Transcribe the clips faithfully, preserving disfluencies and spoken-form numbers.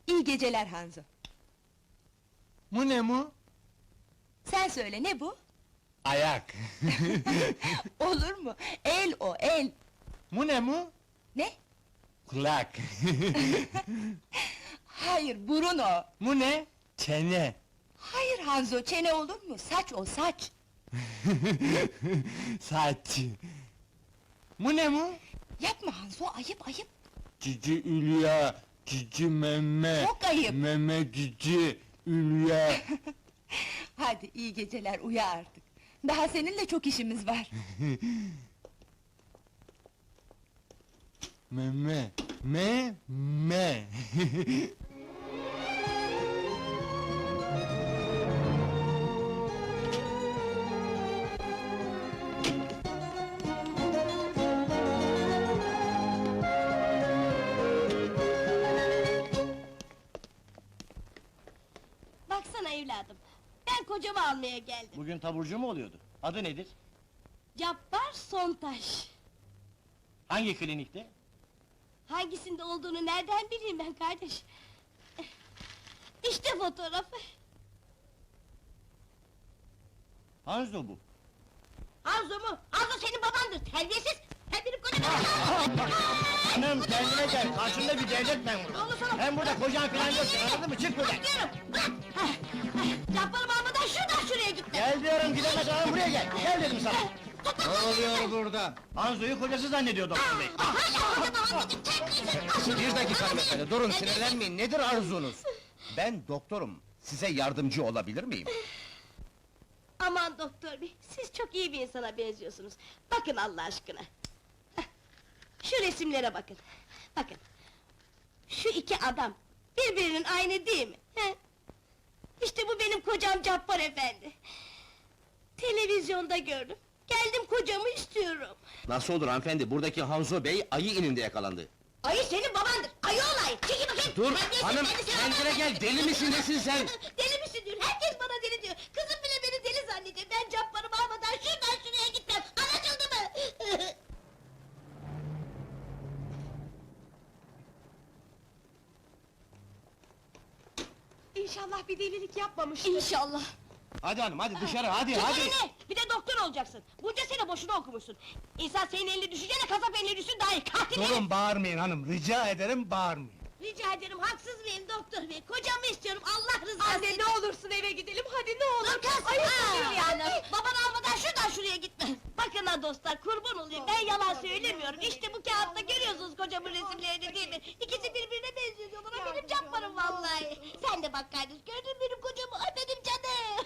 İyi geceler Hanzo. Bu ne mu? Sen söyle, ne bu? Ayak. Olur mu? El o, el! Bu ne mu? Ne? Kulak. Hayır, burun o! Bu ne? Çene. Hayır Hanzo, çene olur mu? Saç o, saç! Saç. Bu ne mu? Yapma Hanzo, ayıp ayıp! Cici Ülya, cici meme. Çok ayıp! Meme cici Ülya. Hadi, iyi geceler, uyu artık! Daha seninle çok işimiz var! Meme, me, me. Baksana evladım, ben kocamı almaya geldim. Bugün taburcu mu oluyordu? Adı nedir? Cabbar Sontaş. Hangi klinikte? Hangisinde olduğunu nereden bileyim ben kardeş? İşte fotoğrafı. Hanzo bu. Hanzo mu? Hanzo senin babandır, terbiyesiz! Sen benim kocamı... Hanım kendine gel, karşında bir devlet memuru. Ne olur sana- Hem burada kocan falan yok, anladın mı? Çık buradan! Bırakıyorum, bırak! Hah, hah, Cabbar'ımı almadan şuradan şuraya gitme! Gel diyorum, gidemez hanım, buraya gel! Gel dedim sana! Ne oluyor burada? Hanzo'yu kocası zannediyor doktor bey. Hala kocamı almadın, terbiyesiz! Bir dakika hanımefendi, durun sinirlenmeyin, nedir arzunuz? Ben doktorum, size yardımcı olabilir miyim? Aman doktor bey, siz çok iyi bir insana benziyorsunuz. Bakın Allah aşkına. Hah, şu resimlere bakın. Bakın. Şu iki adam, birbirinin aynı değil mi? He? İşte bu benim kocam Cabbar efendi. Televizyonda gördüm. Geldim kocamı istiyorum. Nasıl olur hanımefendi, buradaki Hanzo Bey ayı ininde yakalandı. Ayı senin babandır, ayı olay! Çekil bakayım! Dur, Terbiyesiz, hanım, kendisi kendine adam- gel, deli misin, nesin sen? Deli misin diyor, herkes bana deli diyor! Kızım bile beni deli zannediyor, ben Cabbar'ımı almadan şuradan şuraya gitmem! Anlaşıldı mı? İnşallah bir delilik yapmamış. İnşallah! Hadi hanım, hadi dışarı, hadi, Çek hadi! elini! Bir de doktor olacaksın! Bunca sene boşuna okumuşsun! İnsan senin eline düşünce de kasap eline düşsün daha iyi! Katil herif! Durun bağırmayın hanım, rica ederim bağırmayın. Rica ederim, haksız mıyım doktor bey? Kocamı istiyorum, Allah rızası Anne, için! ne olursun eve gidelim, hadi ne olur! Dur kız! Ayıp Aa, oluyor yani! Babanı almadan şuradan şuraya gitme! Bakın ha dostlar, kurban olayım, ben yalan söylemiyorum! İşte bu kağıtta görüyorsunuz kocamın resimlerini değil mi? İkisi birbirine benziyor diyorlar, o benim Cabbar'ım vallahi! Sen de bak kardeş, gördün mü benim kocamı? Ay benim canım!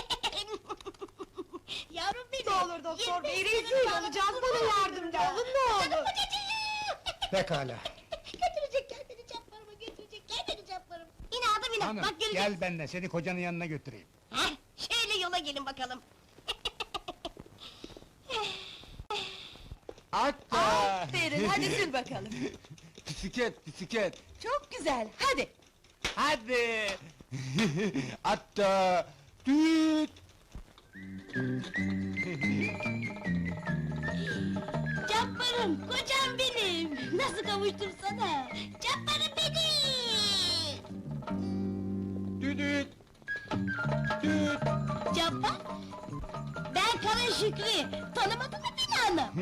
Yavrum benim! Ne olur doktor bey, Yirmi rezil sene olacağız, kurban bana olayım yardımcı ya. olun, ne olur! Canım kocacığım! Pekala. Götürecekler beni Cabbar'ıma, götürecekler beni Cabbar'ıma! İnadım inat, Hanım, bak göreceksin! gel benimle, seni kocanın yanına götüreyim. Heh, şöyle yola gelin bakalım! Hatta. Aferin, hadi sür bakalım! Bisiklet, bisiklet. Çok güzel, hadi! Hadi. Hatta. Düt. Cabbar'ım, kocam benim! Nasıl kavuştum sana? Cabbar'ım benim! Düdüt. Düt. Cabbar? Ben Kara Şükrü, tanımadın mı beni hanım?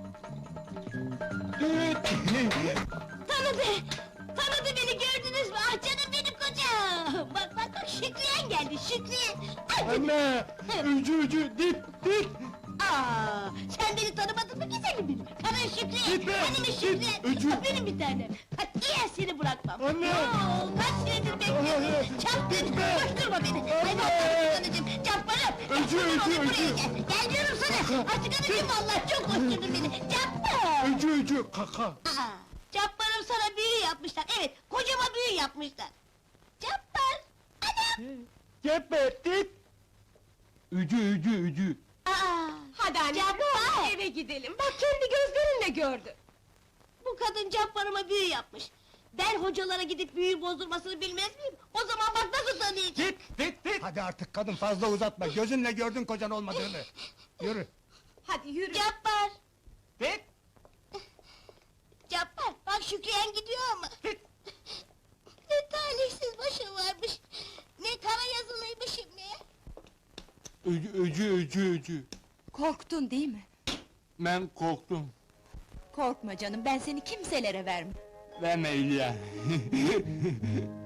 Düt. Tanıdı! Tanıdı beni, gördünüz mü? Ah canım benim kocam! Bak bak bak, Şükriyen geldi, Şükriyen! Ay, Anne. Ücü ücü. Dit dit. Aa, sen beni tanımadın mı güzelim benim? Kara Şükriye, Gitme! benim Git, Şükriye, öcü! benim bir tanem! Katiyen seni bırakmam! Anne! Oo, kaç senedir bekliyorum! Çarptın, Gitme! koşturma beni! Ay Anne! vallahi anacığım, Cabbar'ım! Öcü, Cabbar'ım, öcü, oğlum, buraya öcü! Gel, gel diyorum sana! Açık anacığım vallahi, çok koşturdun beni! Cabbar! Ücü ücü. Kaka. Aa, Cabbar'ım sana büyü yapmışlar, evet, kocama büyü yapmışlar! Cabbar! Anam! Gebet dit. Ücü ücü ücü. Aa, Hadi anne, Cabbar! ne olur eve gidelim, bak kendi gözlerinle gördün! Bu kadın Cabbar'ıma büyü yapmış! Ben hocalara gidip büyü bozdurmasını bilmez miyim? O zaman bak nasıl tanıyacağım! Dit dit dit. Hadi artık kadın, fazla uzatma, gözünle gördün kocan olmadığını. Yürü. Hadi yürü! Cabbar! Dit. Cabbar, bak Şükriyen gidiyor ama! Ne talihsiz Öcü, öcü, öcü, öcü. Korktun değil mi? Ben korktum. Korkma canım, ben seni kimselere vermem. Verme İlya.